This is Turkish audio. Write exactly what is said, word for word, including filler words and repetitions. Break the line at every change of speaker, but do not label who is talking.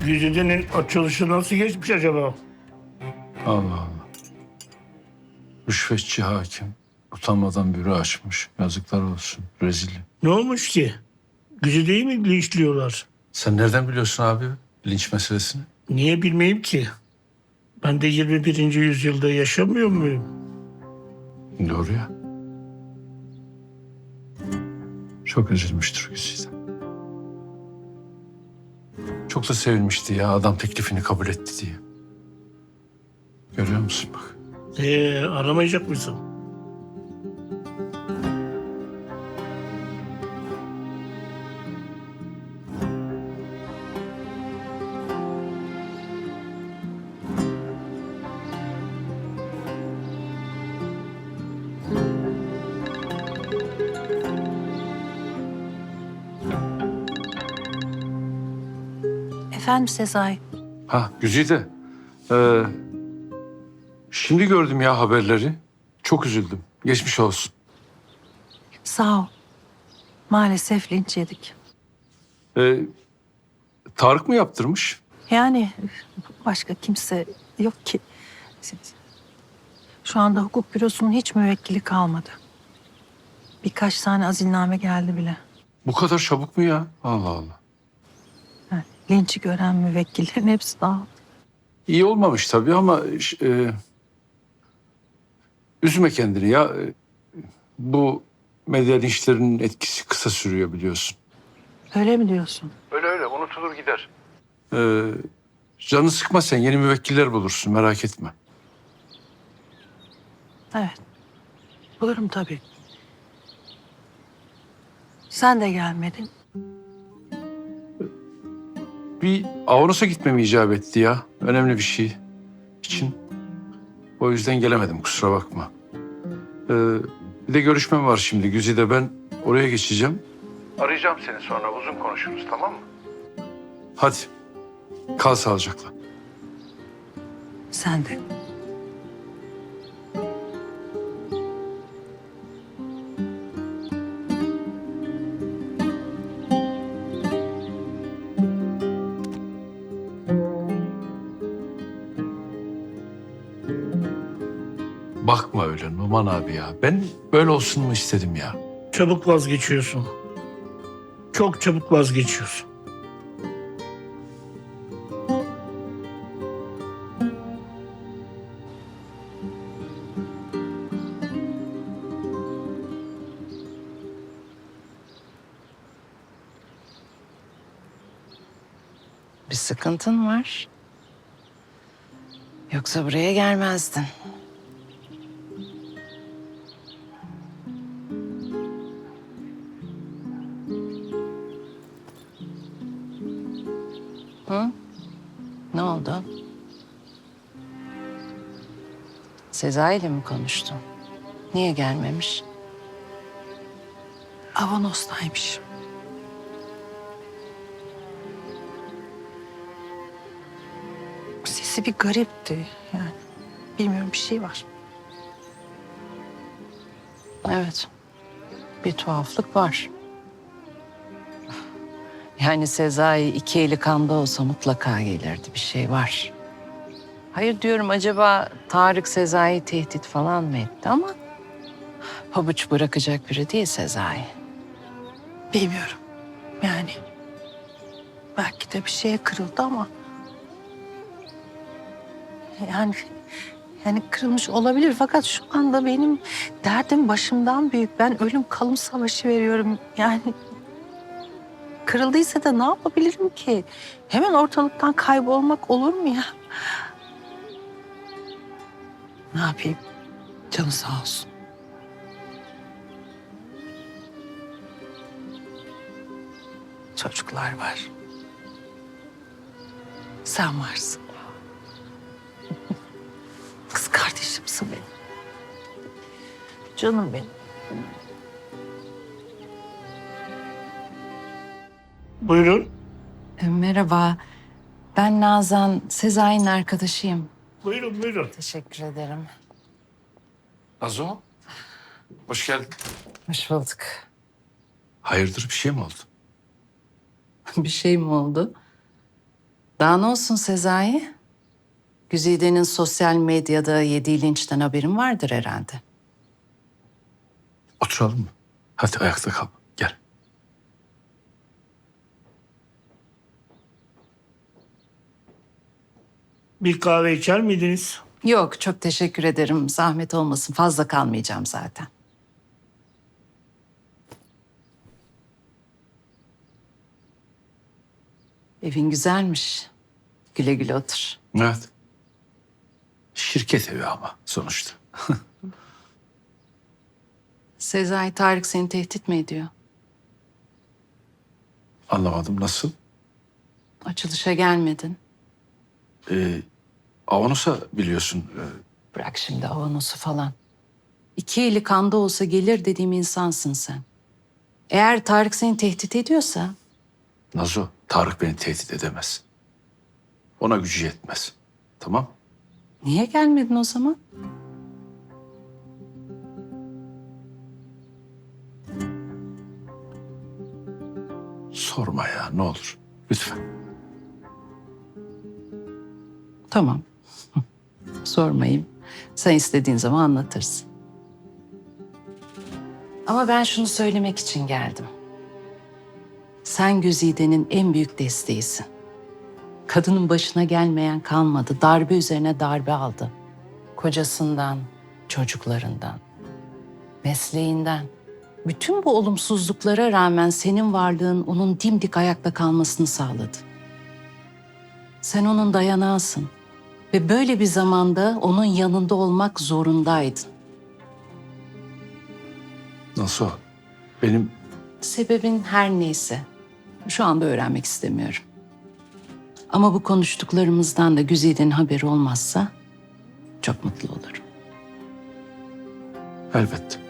Güzide'nin açılışı nasıl geçmiş acaba?
Allah Allah. Rüşvetçi hakim. Utanmadan büro açmış. Yazıklar olsun. Rezil.
Ne olmuş ki? Güzide'yi mi linçliyorlar?
Sen nereden biliyorsun abi linç meselesini?
Niye bilmeyeyim ki? Ben de yirmi birinci yüzyılda yaşamıyor muyum?
Doğru ya. Çok üzülmüştür Güzide. Çok da sevinmişti ya adam teklifini kabul etti diye. Görüyor musun bak.
Ee, aramayacak mısın?
Efendim Sezai.
Ha Güzide. Ee, şimdi gördüm ya haberleri. Çok üzüldüm. Geçmiş olsun.
Sağ ol. Maalesef linç yedik.
Ee, Tarık mı yaptırmış?
Yani başka kimse yok ki. Şu anda hukuk bürosunun hiç müvekkili kalmadı. Birkaç tane azilname geldi bile.
Bu kadar çabuk mu ya? Allah Allah.
Yani linçi gören müvekkillerin hepsi dağıldı.
İyi olmamış tabii ama e, üzme kendini ya. E, Bu medya linçlerinin etkisi kısa sürüyor biliyorsun.
Öyle mi diyorsun?
Öyle öyle unutulur gider. Ee, canı sıkma sen yeni müvekkiller bulursun merak etme.
Evet. Bulurum tabii. Sen de gelmedin.
Bir Avanos'a gitmem icap etti ya. Önemli bir şey için. O yüzden gelemedim kusura bakma. Ee, bir de görüşmem var şimdi Güzide ben oraya geçeceğim. Arayacağım seni sonra uzun konuşuruz tamam mı? Hadi kal sağlıcakla.
Sen de.
Bakma öyle Numan abi ya. Ben böyle olsun mu istedim ya.
Çabuk vazgeçiyorsun. Çok çabuk vazgeçiyorsun.
Bir sıkıntın var. Yoksa buraya gelmezdin. Hı? Ne oldu? Sezai ile mi konuştun? Niye gelmemiş?
Avanos'taymış. Sesi bir garipti yani. Bilmiyorum bir şey var.
Evet. Bir tuhaflık var. Yani Sezai iki eli kanda olsa mutlaka gelirdi. Bir şey var. Hayır diyorum acaba Tarık Sezai tehdit falan mı etti ama pabuç bırakacak biri değil Sezai.
Bilmiyorum. Yani belki de bir şeye kırıldı ama yani yani kırılmış olabilir fakat şu anda benim derdim başımdan büyük. Ben ölüm kalım savaşı veriyorum. Yani kırıldıysa da ne yapabilirim ki? Hemen ortalıktan kaybolmak olur mu ya? Ne yapayım? Canı sağ olsun. Çocuklar var. Sen varsın. Kız kardeşimsin benim. Canım benim.
Buyurun.
E, merhaba. Ben Nazan, Sezai'nin arkadaşıyım.
Buyurun buyurun.
Teşekkür ederim.
Nazo hoş geldin.
Hoş bulduk.
Hayırdır bir şey mi oldu?
Bir şey mi oldu? Daha ne olsun Sezai? Güzide'nin sosyal medyada yediği linçten haberin vardır herhalde.
Oturalım mı? Hadi ayakta kal. Gel.
Bir kahve içer miydiniz?
Yok, çok teşekkür ederim. Zahmet olmasın. Fazla kalmayacağım zaten. Evin güzelmiş. Güle güle otur.
Evet. Şirket evi ama sonuçta.
Sezai, Tarık seni tehdit mi ediyor?
Anlamadım nasıl?
Açılışa gelmedin.
Ee, Avanos'a biliyorsun. e,
Bırak şimdi avanosu falan. İki eli kanda olsa gelir dediğim insansın sen. Eğer Tarık seni tehdit ediyorsa
Nazo, Tarık beni tehdit edemez. Ona gücü yetmez. Tamam?
niye gelmedin o zaman?
Sorma ya ne olur. Lütfen.
Tamam. Sormayayım. Sen istediğin zaman anlatırsın. Ama ben şunu söylemek için geldim. Sen Güzide'nin en büyük desteğisin. Kadının başına gelmeyen kalmadı. Darbe üzerine darbe aldı. Kocasından, çocuklarından, mesleğinden. Bütün bu olumsuzluklara rağmen senin varlığın onun dimdik ayakta kalmasını sağladı. Sen onun dayanağısın. Ve böyle bir zamanda onun yanında olmak zorundaydın.
Nasıl? Benim
Sebebin her neyse. Şu anda öğrenmek istemiyorum. Ama bu konuştuklarımızdan da Güzide'nin haberi olmazsa çok mutlu olurum.
elbette.